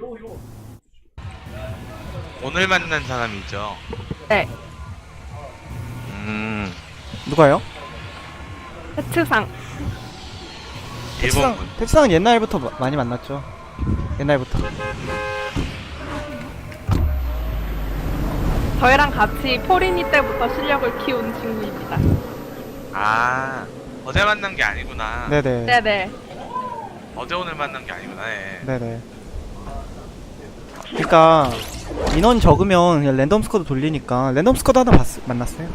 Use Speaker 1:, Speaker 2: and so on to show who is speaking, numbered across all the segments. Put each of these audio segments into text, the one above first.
Speaker 1: 오늘 만난 사람이죠.
Speaker 2: 네.
Speaker 3: 누가요?
Speaker 2: 해츠상.
Speaker 1: 일본분.
Speaker 3: 텍스상은 옛날부터 많이 만났죠. 옛날부터.
Speaker 2: 저희랑 같이 포리니 때부터 실력을 키운 친구입니다.
Speaker 1: 아, 어제 만난 게 아니구나.
Speaker 3: 네네.
Speaker 2: 네네.
Speaker 1: 어제 오늘 만난 게 아니구나. 네.
Speaker 3: 네네. 그니까 인원 적으면 그냥 랜덤 스쿼드 돌리니까 랜덤 스쿼드 하나 만났어요.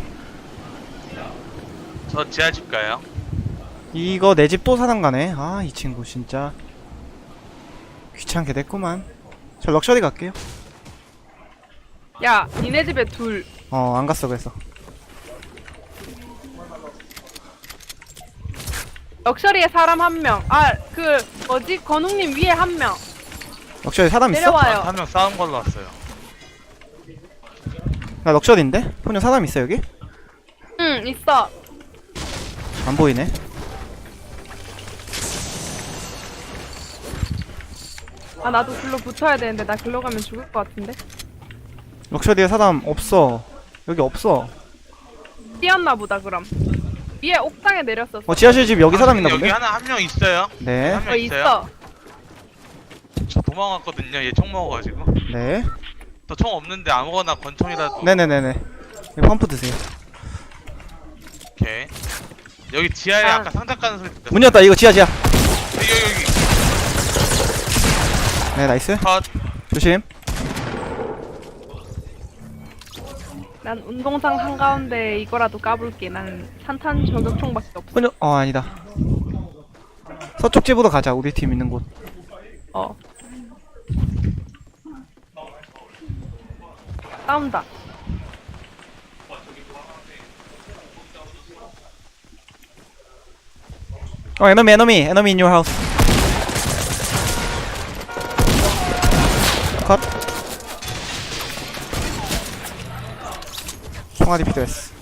Speaker 1: 저 지하집 가요.
Speaker 3: 이거 내 집 또 사당 가네. 아, 이 친구 진짜 귀찮게 됐구만. 저 럭셔리 갈게요.
Speaker 2: 야, 니네 집에 둘.
Speaker 3: 안 갔어 그래서.
Speaker 2: 럭셔리에 사람 한 명. 아, 그 뭐지? 건웅님 위에 한 명.
Speaker 3: 럭셔리 사람 있어?
Speaker 2: 내려와요.
Speaker 1: 한 명 싸운 걸로 왔어요.
Speaker 3: 나 럭셔리인데? 포녀 사람 있어 여기?
Speaker 2: 응, 있어.
Speaker 3: 안 보이네.
Speaker 2: 아, 나도 글로 붙어야 되는데 나 글로 가면 죽을 것 같은데.
Speaker 3: 럭셔리에 사람 없어. 여기 없어.
Speaker 2: 뛰었나 보다 그럼. 위에 옥상에 내렸었어.
Speaker 3: 지하실 집 여기 사람 있나
Speaker 1: 여기
Speaker 3: 본데?
Speaker 1: 한 명 있어요.
Speaker 3: 네.
Speaker 1: 한 명 있어요.
Speaker 2: 있어.
Speaker 1: 저 도망갔거든요. 얘 총 먹어가지고.
Speaker 3: 네.
Speaker 1: 저 총 없는데 아무거나 권총이라도.
Speaker 3: 네네네네. 여기 펌프 드세요.
Speaker 1: 오케이. 여기 지하에
Speaker 2: 아.
Speaker 1: 아까 상자 까는 소리 들렸어.
Speaker 3: 문 열었다. 이거 지하.
Speaker 1: 여기.
Speaker 3: 네, 나이스.
Speaker 1: 컷.
Speaker 3: 조심.
Speaker 2: 난 운동장 한가운데 이거라도 까볼게. 난 산탄 저격총밖에 없어.
Speaker 3: 포녀 아니다. 서쪽 집으로 가자. 우리 팀 있는 곳.
Speaker 2: 어. 싸운다.
Speaker 3: enemy in your house. 컷. 총알이 필요했어.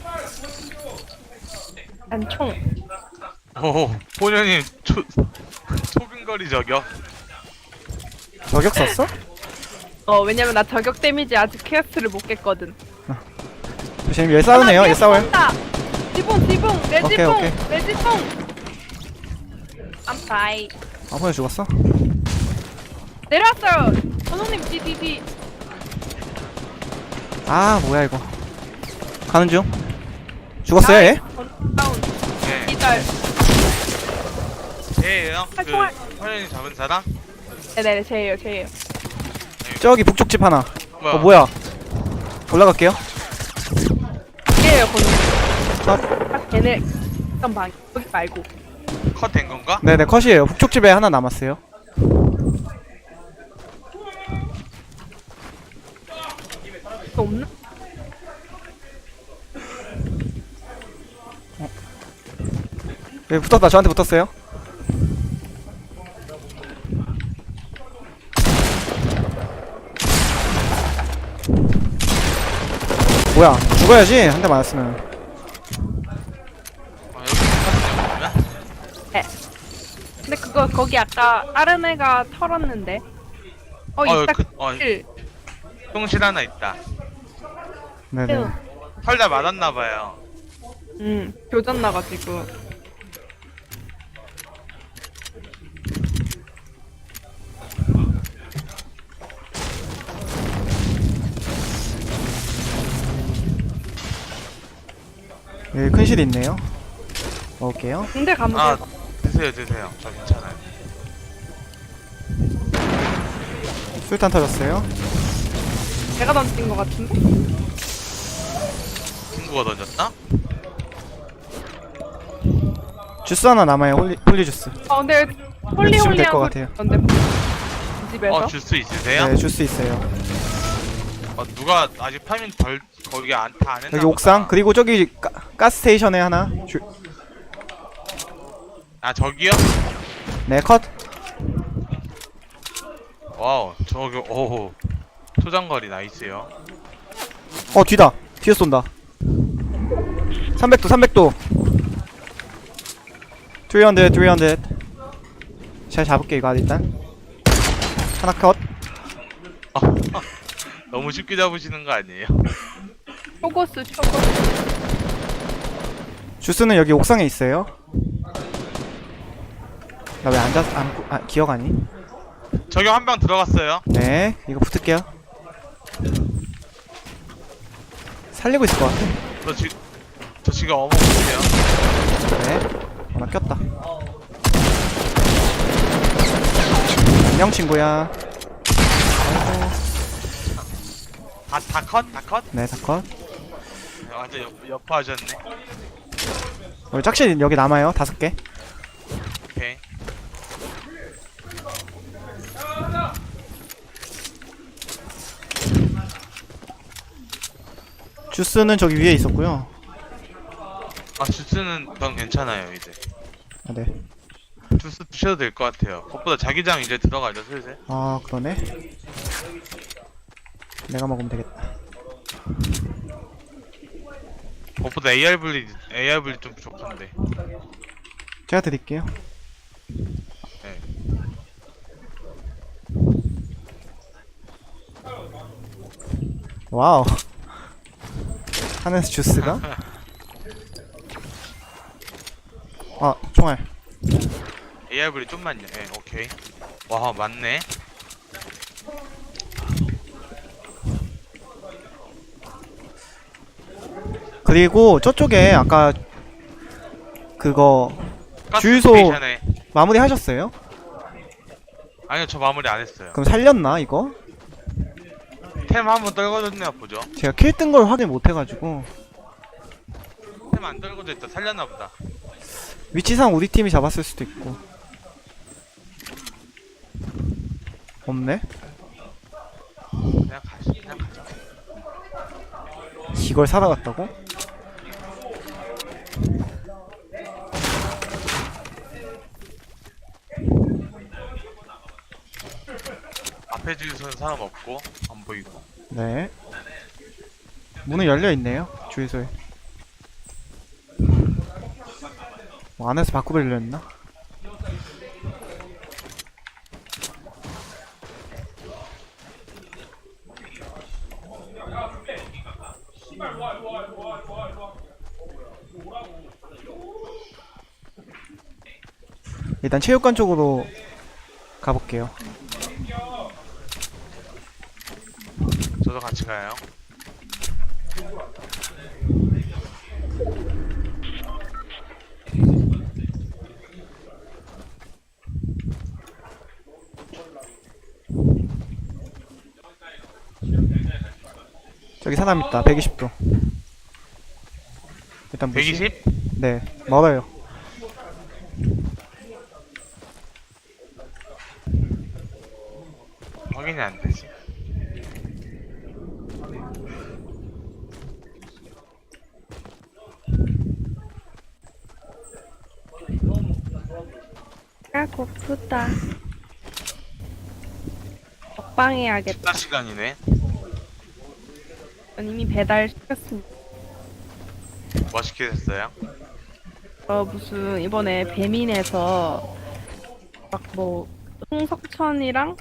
Speaker 2: 난 총.
Speaker 1: 오, 본연님 초근거리 저격.
Speaker 3: 저격 썼어?
Speaker 2: 왜냐면 나 저격 데미지 아직 퀘스트를 못 깼거든.
Speaker 3: 조심. 얘 싸우네요. 얘 싸워요.
Speaker 2: 지붕, 내
Speaker 3: 오케이,
Speaker 2: 지붕,
Speaker 3: 오케이.
Speaker 2: 내 지붕. I'm fine.
Speaker 3: 포녀 죽었어?
Speaker 2: 내려왔어요. 선생님, 뒤.
Speaker 3: 아, 뭐야 이거. 가는 중. 죽었어요, 얘?
Speaker 2: 다운.
Speaker 1: 네.
Speaker 2: 기절.
Speaker 1: 얘예요?
Speaker 2: 총알.
Speaker 1: 본연이 잡은 사람?
Speaker 2: 네네, 제예요.
Speaker 3: 저기 북쪽 집 하나.
Speaker 1: 뭐야?
Speaker 3: 뭐야? 올라갈게요.
Speaker 2: 얘예요, 건우.
Speaker 3: 컷.
Speaker 2: 딱 걔네 있던 방. 여기 말고.
Speaker 1: 컷 된 건가?
Speaker 3: 네네, 컷이에요. 북쪽 집에 하나 남았어요.
Speaker 2: 또 없나?
Speaker 3: 여기 붙었다. 저한테 붙었어요. 뭐야? 죽어야지. 한 대 맞았으면.
Speaker 1: 여기 컷 그러면?
Speaker 2: 네. 근데 그거 거기 아까 다른 애가 털었는데. 있다. 킬.
Speaker 1: 똥실 하나 있다.
Speaker 3: 네네.
Speaker 1: 털다 맞았나봐요.
Speaker 2: 교전 나가지고.
Speaker 3: 여기 큰 실 있네요. 먹을게요.
Speaker 2: 군대 가면
Speaker 1: 아,
Speaker 2: 돼요.
Speaker 1: 드세요. 저 괜찮아요.
Speaker 3: 술탄 터졌어요.
Speaker 2: 내가 던진 것 같은데?
Speaker 1: 친구가 던졌나?
Speaker 3: 주스 하나 남아요. 홀리 주스.
Speaker 2: 근데
Speaker 3: 주시면 될것
Speaker 2: 홀리홀리한
Speaker 3: 같아요.
Speaker 2: 건데 이 집에서?
Speaker 1: 주스 있으세요?
Speaker 3: 네, 주스 있어요.
Speaker 1: 누가 아직 파밍 거기 다 안 했나
Speaker 3: 여기 옥상. 그리고 저기 가스 스테이션에 하나.
Speaker 1: 아, 저기요?
Speaker 3: 네, 컷.
Speaker 1: 와우, 저기, 오호. 초장거리 나이스요.
Speaker 3: 뒤다. 뒤에서 쏜다. 300도. 300. 잘 잡을게 이거 일단. 하나 컷.
Speaker 1: 너무 쉽게 잡으시는 거 아니에요?
Speaker 2: 초고스.
Speaker 3: 주스는 여기 옥상에 있어요. 나 왜 기억하니?
Speaker 1: 저기 한 명 들어갔어요.
Speaker 3: 네, 이거 붙을게요. 살리고 있을 것 같아.
Speaker 1: 저 지금 어머 보세요.
Speaker 3: 네. 나 꼈다. 안녕, 친구야. 아이고.
Speaker 1: 다 컷? 다 컷?
Speaker 3: 네, 다 컷.
Speaker 1: 완전 여파하셨네.
Speaker 3: 우리 짝실 여기 남아요. 5개.
Speaker 1: 오케이.
Speaker 3: 주스는 저기 위에 있었고요.
Speaker 1: 주스는 전 괜찮아요 이제.
Speaker 3: 아, 네.
Speaker 1: 주스 드셔도 될 것 같아요. 그것보다 자기장 이제 들어가죠 슬슬.
Speaker 3: 아, 그러네. 내가 먹으면 되겠다.
Speaker 1: 그것보다 AR 분리 좀 부족한데.
Speaker 3: 제가 드릴게요.
Speaker 1: 네.
Speaker 3: 와우. 하늘에서 주스가? 아, 총알.
Speaker 1: AR 분리 좀만요. 예, 오케이. 와 맞네.
Speaker 3: 그리고 저쪽에 아까 그거
Speaker 1: 가스
Speaker 3: 주유소-
Speaker 1: 스테이션에.
Speaker 3: 마무리 하셨어요?
Speaker 1: 아니요 저 마무리 안 했어요.
Speaker 3: 그럼 살렸나 이거?
Speaker 1: 템 한번 떨궈줬나 보죠.
Speaker 3: 제가 킬 뜬 걸 확인 못 해가지고
Speaker 1: 템 안 떨궈져 있다. 살렸나 보다.
Speaker 3: 위치상 우리 팀이 잡았을 수도 있고. 없네?
Speaker 1: 그냥 가자.
Speaker 3: 이걸 살아갔다고?
Speaker 1: 앞에 주유소는 사람 없고 안 보이고.
Speaker 3: 네. 문은 열려 있네요. 주유소에. 뭐 안에서 바꾸려 했나? 일단 체육관 쪽으로 가볼게요.
Speaker 1: 저도 같이 가요.
Speaker 3: 저기 사람 있다. 120도. 일단 무시.
Speaker 1: 120?
Speaker 3: 네, 멀어요.
Speaker 1: 확인이 안 되지.
Speaker 2: 아 고프다. 먹방 해야겠다.
Speaker 1: 식사 시간이네.
Speaker 2: 전 이미 배달 시켰습니다.
Speaker 1: 뭐 시키셨어요?
Speaker 2: 무슨 이번에 배민에서 막 뭐 홍석천이랑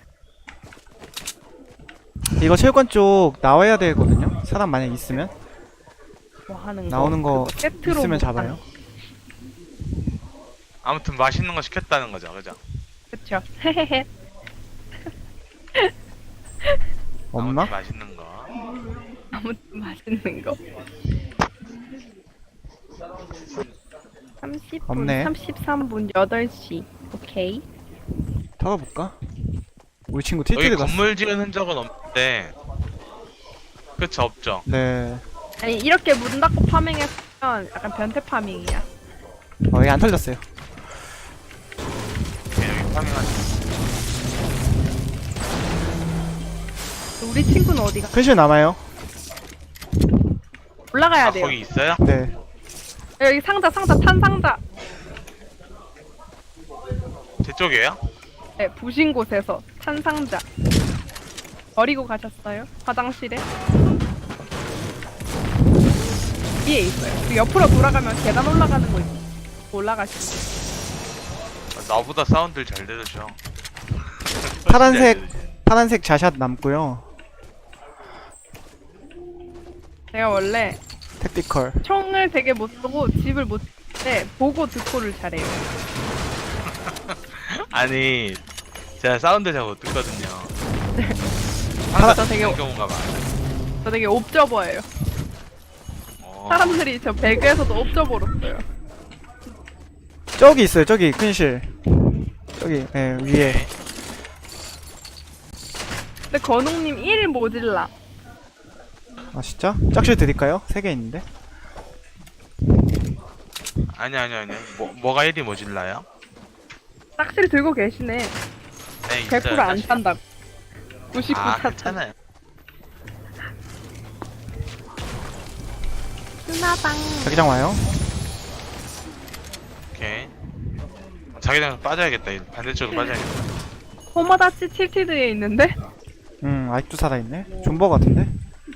Speaker 3: 이거 체육관 쪽 나와야 되거든요. 사람 만약 있으면
Speaker 2: 뭐 하는
Speaker 3: 나오는 거
Speaker 2: 그거 세트로
Speaker 3: 있으면
Speaker 2: 못
Speaker 3: 잡아요.
Speaker 1: 아무튼 맛있는 거 시켰다는 거죠, 그죠?
Speaker 2: 그쵸. 헤헤헤.
Speaker 3: 없나?
Speaker 1: 아무튼 맛있는 거.
Speaker 2: 아무튼 맛있는 거. 30분,
Speaker 3: 없네.
Speaker 2: 33분, 8시. 오케이.
Speaker 3: 털어볼까? 우리 친구
Speaker 1: 여기
Speaker 3: 틸트를 갔어.
Speaker 1: 건물 지은 흔적은 없는데. 그쵸, 없죠.
Speaker 3: 네.
Speaker 2: 아니 이렇게 문 닫고 파밍했으면 약간 변태 파밍이야.
Speaker 3: 여기 안 털렸어요.
Speaker 1: 여기 파밍하지.
Speaker 2: 우리 친구는 어디가?
Speaker 3: 큰실 남아요.
Speaker 2: 올라가야
Speaker 1: 아,
Speaker 2: 돼요.
Speaker 1: 거기 있어요?
Speaker 3: 네.
Speaker 2: 여기 상자, 탄 상자.
Speaker 1: 제 쪽이에요?
Speaker 2: 네, 부신 곳에서 탄 상자. 버리고 가셨어요? 화장실에? 위에 있어요. 그 옆으로 돌아가면 계단 올라가는 거 있어. 올라가시죠.
Speaker 1: 나보다 사운드를 잘 들으셔.
Speaker 3: 파란색 파란색 자샷 남고요.
Speaker 2: 제가 원래
Speaker 3: 택티컬.
Speaker 2: 총을 되게 못 쏘고 집을 못 때 보고 듣고를 잘해요.
Speaker 1: 아니 제가 사운드 잘 못 듣거든요.
Speaker 2: 저 되게
Speaker 1: 그런 경우가 많아요.
Speaker 2: 저 되게 옵저버예요.
Speaker 1: 어.
Speaker 2: 사람들이 저 배그에서도 옵저버로 써요.
Speaker 3: 저기 있어요. 저기 큰실. 저기 예, 위에.
Speaker 2: 근데 건웅님 1 모질라.
Speaker 3: 아 진짜? 짝실 드릴까요? 3개 있는데.
Speaker 1: 아니. 뭐가 1이 모질라요?
Speaker 2: 딱실이 들고 계시네.
Speaker 1: 네,
Speaker 2: 100% 안 찬다고. 99
Speaker 1: 아,
Speaker 2: 찼다.
Speaker 1: 괜찮아요.
Speaker 2: 스나방.
Speaker 3: 자기장 와요.
Speaker 1: 오케이. 자기장 빠져야겠다. 이 반대쪽으로 빠져야겠다.
Speaker 2: 호마다치 칠티드에 있는데?
Speaker 3: 아직도 살아있네. 존버 같은데?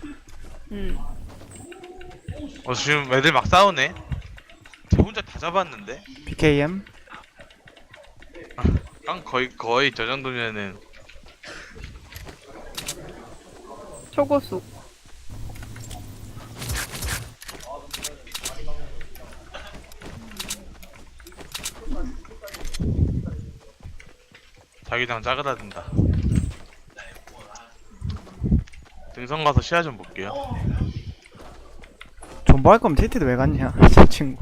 Speaker 1: 지금 애들 막 싸우네. 저 혼자 다 잡았는데?
Speaker 3: BKM.
Speaker 1: 깡 거의 저 정도면은
Speaker 2: 초고수.
Speaker 1: 자기장 짜그라든다. 등선 가서 시야 좀 볼게요.
Speaker 3: 존버 할 거면 TT도 왜 갔냐? 저 친구.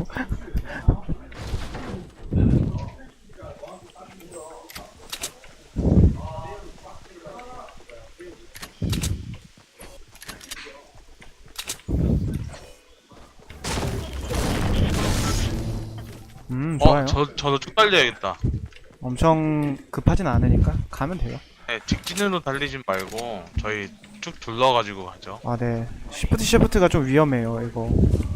Speaker 3: 좋아요.
Speaker 1: 저도 쭉 달려야겠다.
Speaker 3: 엄청 급하진 않으니까 가면 돼요.
Speaker 1: 네, 직진으로 달리진 말고 저희 쭉 둘러가지고 가죠.
Speaker 3: 아, 네. 시프트가 좀 위험해요, 이거.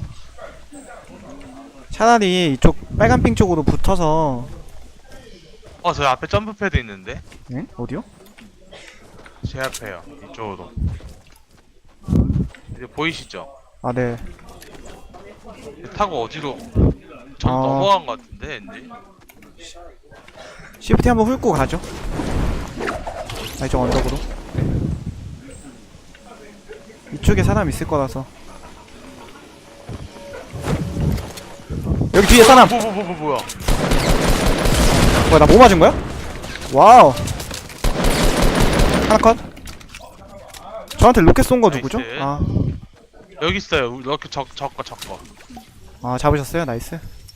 Speaker 3: 차라리 이쪽 빨간 핑 쪽으로 붙어서.
Speaker 1: 저 앞에 점프 패드 있는데?
Speaker 3: 응? 어디요?
Speaker 1: 제 앞에요. 이쪽으로. 이제 보이시죠?
Speaker 3: 아, 네.
Speaker 1: 타고 어디로? 전
Speaker 3: 아.
Speaker 1: 넘어간 것 같은데, 왠지.
Speaker 3: 시프트 한번 훑고 가죠. 아, 이쪽 언덕으로. 이쪽에 사람 있을 거라서. 여기 뒤에 사람!
Speaker 1: 뭐야?
Speaker 3: 뭐야, 나 뭐 맞은 거야? 와우. 하나 컷. 저한테 로켓 쏜 거 누구죠?
Speaker 1: 나이스.
Speaker 3: 아,
Speaker 1: 여기 있어요. 이렇게 적거.
Speaker 3: 아, 잡으셨어요? 나이스.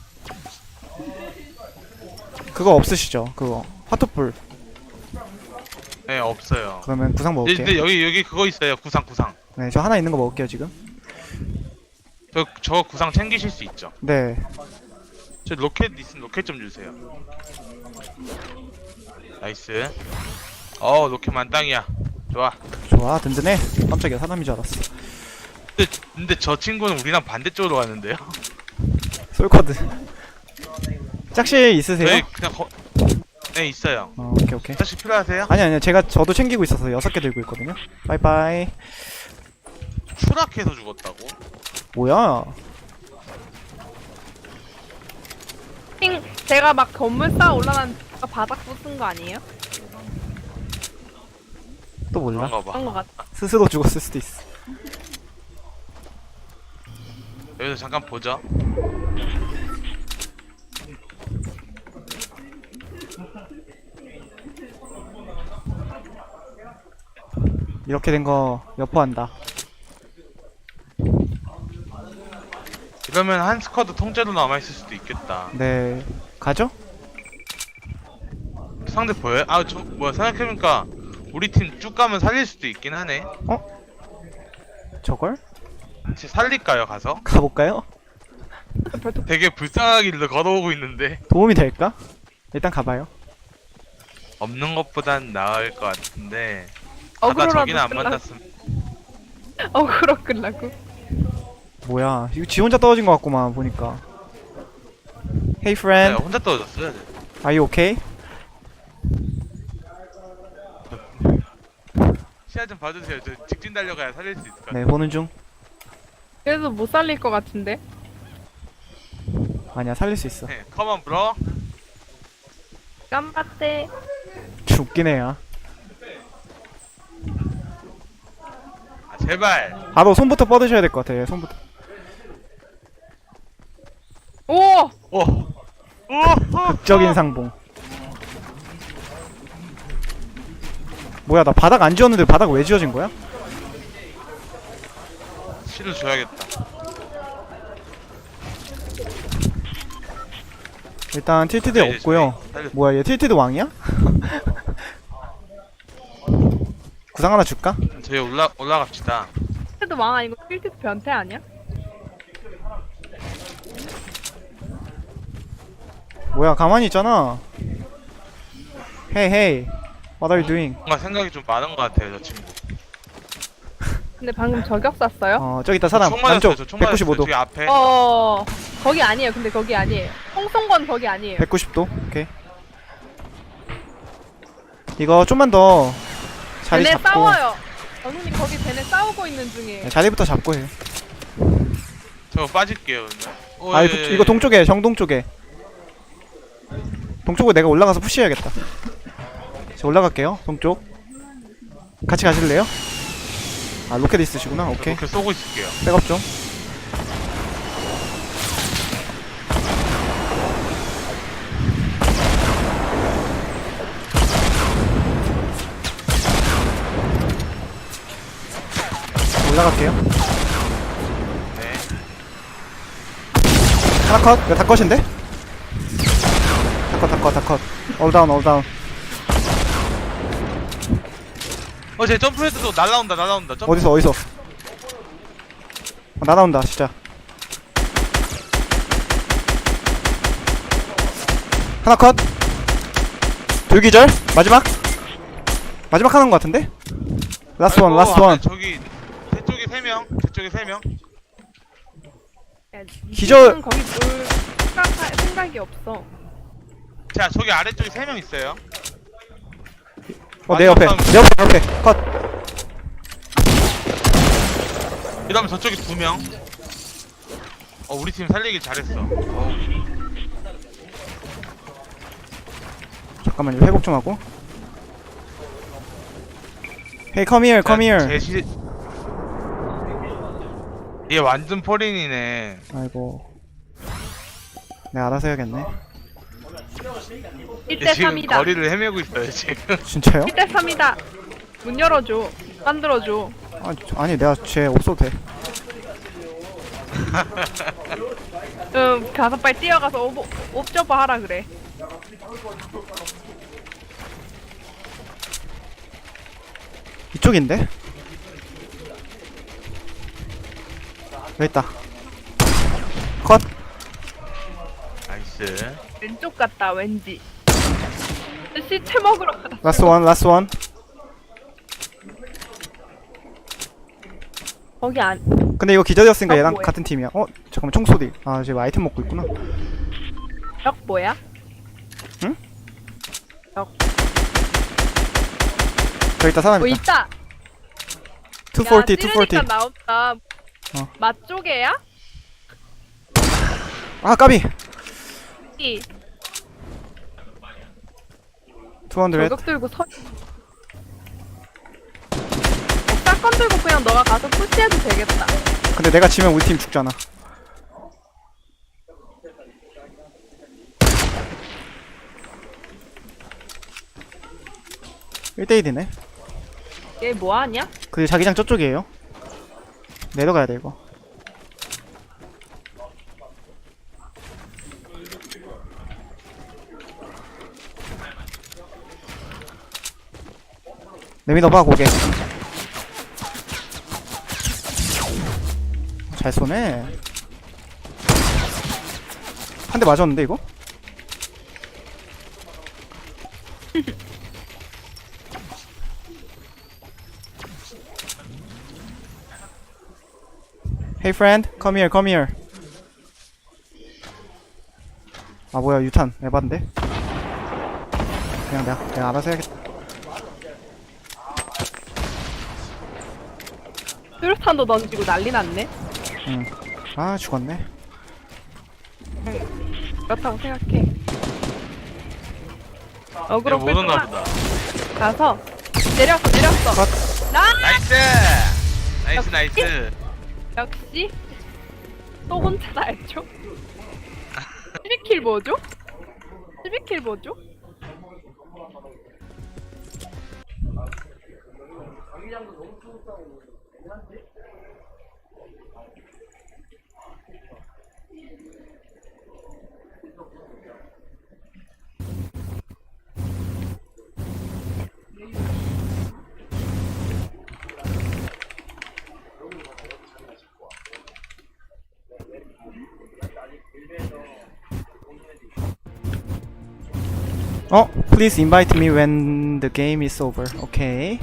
Speaker 3: 그거 없으시죠? 그거. 화투불.
Speaker 1: 네, 없어요.
Speaker 3: 그러면 구상 먹을게요.
Speaker 1: 근데 여기 그거 있어요. 구상.
Speaker 3: 네, 저 하나 있는 거 먹을게요, 지금.
Speaker 1: 저 구상 챙기실 수 있죠?
Speaker 3: 네.
Speaker 1: 저 로켓 있으면 로켓 좀 주세요. 나이스. 로켓 만땅이야. 좋아.
Speaker 3: 좋아, 든든해. 깜짝이야, 사람인 줄 알았어.
Speaker 1: 근데 저 친구는 우리랑 반대쪽으로 갔는데요?
Speaker 3: 솔커드. 짝실 있으세요?
Speaker 1: 저희 그냥 네, 있어요.
Speaker 3: 오케이.
Speaker 1: 혹시 필요하세요?
Speaker 3: 아니요, 저도 챙기고 있어서 6개 들고 있거든요. 빠이빠이.
Speaker 1: 추락해서 죽었다고?
Speaker 3: 뭐야?
Speaker 2: 핑, 제가 막 건물 쌓아 올라간 바닥 부순 거 아니에요?
Speaker 3: 또 몰라?
Speaker 1: 그런가 봐.
Speaker 2: 그런 거 같다.
Speaker 3: 스스로 죽었을 수도 있어.
Speaker 1: 여기서 잠깐 보죠.
Speaker 3: 이렇게 된 거 여포한다.
Speaker 1: 이러면 한 스쿼드 통째로 남아있을 수도 있겠다.
Speaker 3: 네. 가죠?
Speaker 1: 상대 보여요? 뭐야, 생각해보니까 우리 팀 쭉 가면 살릴 수도 있긴 하네.
Speaker 3: 저걸?
Speaker 1: 같이 살릴까요, 가서?
Speaker 3: 가볼까요?
Speaker 1: 되게 불쌍하길래 걸어오고 있는데
Speaker 3: 도움이 될까? 일단 가봐요.
Speaker 1: 없는 것보단 나을 것 같은데 가다
Speaker 2: 어그로라도
Speaker 1: 저기는 안
Speaker 2: 끌라고.
Speaker 1: 만났으면
Speaker 2: 어그로 끌라고.
Speaker 3: 뭐야? 이거 지 혼자 떨어진 것 같구만 보니까. Hey friend,
Speaker 1: 혼자 떨어졌어요.
Speaker 3: are you okay?
Speaker 1: 시야 좀 봐주세요. 저 직진 달려가야 살릴 수 있을 것 같아요.
Speaker 3: 네, 보는 중.
Speaker 2: 그래도 못 살릴 것 같은데.
Speaker 3: 아니야, 살릴 수 있어.
Speaker 1: 네, 컴온 브로.
Speaker 2: 깜빡대.
Speaker 3: 죽긴 해야.
Speaker 1: 제발.
Speaker 3: 바로 손부터 뻗으셔야 될 것 같아. 예, 손부터.
Speaker 2: 오!
Speaker 1: 오.
Speaker 3: 극적인 상봉. 뭐야, 나 바닥 안 지웠는데 바닥 왜 지워진 거야?
Speaker 1: 실을 줘야겠다.
Speaker 3: 일단 틸티드
Speaker 1: 네, 이제
Speaker 3: 없고요.
Speaker 1: 살려.
Speaker 3: 뭐야, 얘 틸티드 왕이야? 구상 하나 줄까?
Speaker 1: 저희 올라갑시다.
Speaker 2: 필드 왕 아니고 필드 변태 아니야?
Speaker 3: 뭐야, 가만히 있잖아. Hey, hey. What are you doing?
Speaker 1: 뭔가 생각이 좀 많은 것 같아요, 저 친구.
Speaker 2: 근데 방금 저격 쐈어요?
Speaker 3: 저기 있다, 사람.
Speaker 1: 총 맞았어요.
Speaker 3: 남쪽.
Speaker 1: 저총 맞았어요.
Speaker 3: 195도.
Speaker 1: 저기 앞에.
Speaker 2: 거기 아니에요. 근데 거기 아니에요. 홍성건 거기 아니에요.
Speaker 3: 190도. 오케이. 이거 좀만 더 자리
Speaker 2: 쟤네
Speaker 3: 잡고.
Speaker 2: 싸워요. 언니 거기 쟤네 싸우고 있는 중이에요.
Speaker 3: 네, 자리부터 잡고 해.
Speaker 1: 저 빠질게요, 그러면. 오,
Speaker 3: 아,
Speaker 1: 예,
Speaker 3: 이거,
Speaker 1: 예,
Speaker 3: 이거
Speaker 1: 예.
Speaker 3: 동쪽에, 정동 쪽에. 동쪽으로 내가 올라가서 푸시해야겠다. 자, 올라갈게요. 동쪽. 같이 가실래요? 아, 로켓 있으시구나. 오케이.
Speaker 1: 이렇게 쏘고 있을게요.
Speaker 3: 백업 좀. 올라갈게요.
Speaker 1: 네.
Speaker 3: 하나 컷. 이거 다 컷인데? 다 컷. 올 다운.
Speaker 1: 제 점프해도 날라온다. 점프.
Speaker 3: 어디서? 날아온다, 진짜. 하나 컷. 둘기절. 마지막 하는 것 같은데? 라스트 원.
Speaker 1: 저기 저쪽에 3명.
Speaker 3: 기절.
Speaker 2: 거기 뭘 생각이 없어.
Speaker 1: 자, 저기 아래쪽에 3명 있어요.
Speaker 3: 내 옆에. 컷.
Speaker 1: 그다음에 저쪽에 2명. 우리 팀 살리길 잘했어.
Speaker 3: 잠깐만요. 회복 좀 하고. Hey, come here.
Speaker 1: 얘 완전 포린이네.
Speaker 3: 아이고. 내가 알아서 해야겠네.
Speaker 2: 1대
Speaker 1: 얘 지금
Speaker 2: 3이다.
Speaker 1: 거리를 헤매고 있어요, 지금.
Speaker 3: 진짜요?
Speaker 2: 1대 3이다. 문 열어줘. 만들어줘.
Speaker 3: 아니 내가 쟤 없어도 돼.
Speaker 2: 가서 빨리 뛰어가서 옵저버 하라 그래.
Speaker 3: 이쪽인데? 여기 있다. 컷.
Speaker 1: 나이스.
Speaker 2: 왼쪽 같다 왠지. 시체 먹으러 가다.
Speaker 3: 라스트 원.
Speaker 2: 거기 안.
Speaker 3: 근데 이거 기절이었으니까 얘랑
Speaker 2: 뭐해?
Speaker 3: 같은 팀이야. 잠깐만, 총소리. 쟤 아이템 먹고 있구나.
Speaker 2: 적 뭐야?
Speaker 3: 응?
Speaker 2: 적.
Speaker 3: 저기 있다, 사람
Speaker 2: 뭐
Speaker 3: 있다.
Speaker 2: 있다.
Speaker 3: 240.
Speaker 2: 찌르니까 나온다.
Speaker 3: 어.
Speaker 2: 맛 쪽에야?
Speaker 3: 아, 까비.
Speaker 2: 이
Speaker 3: 200.
Speaker 2: 저격 들고 사건 들고 그냥 너가 가서 푸시해도 되겠다.
Speaker 3: 근데 내가 지면 우리 팀 죽잖아. (1대1이네)
Speaker 2: 얘 뭐하냐?
Speaker 3: 그 자기장 저쪽이에요. 내려가야 돼 이거. 내밀어봐 고개. 잘 쏘네. 한 대 맞았는데 이거? Hey friend, come here. 아 뭐야, 유탄 에반데? 그냥 내가 알아서 해야겠다.
Speaker 2: 수류탄도 던지고 난리 났네.
Speaker 3: 응. 아 죽었네.
Speaker 2: 그렇다고 생각해. 어그로
Speaker 1: 못
Speaker 2: 끌고
Speaker 1: 오나
Speaker 2: 가.
Speaker 1: 보다.
Speaker 2: 가서 내렸어.
Speaker 1: 나이스. 나이스 나이스.
Speaker 2: 역시 또 혼자 했죠? 12킬 뭐죠? 12킬 뭐죠?
Speaker 3: Please invite me when the game is over. 오케이.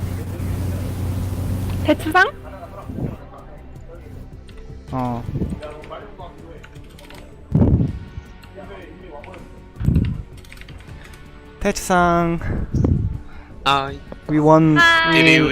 Speaker 2: 대추상?
Speaker 3: 태츠상
Speaker 4: 아,
Speaker 3: we won.
Speaker 2: 하이.
Speaker 1: Did you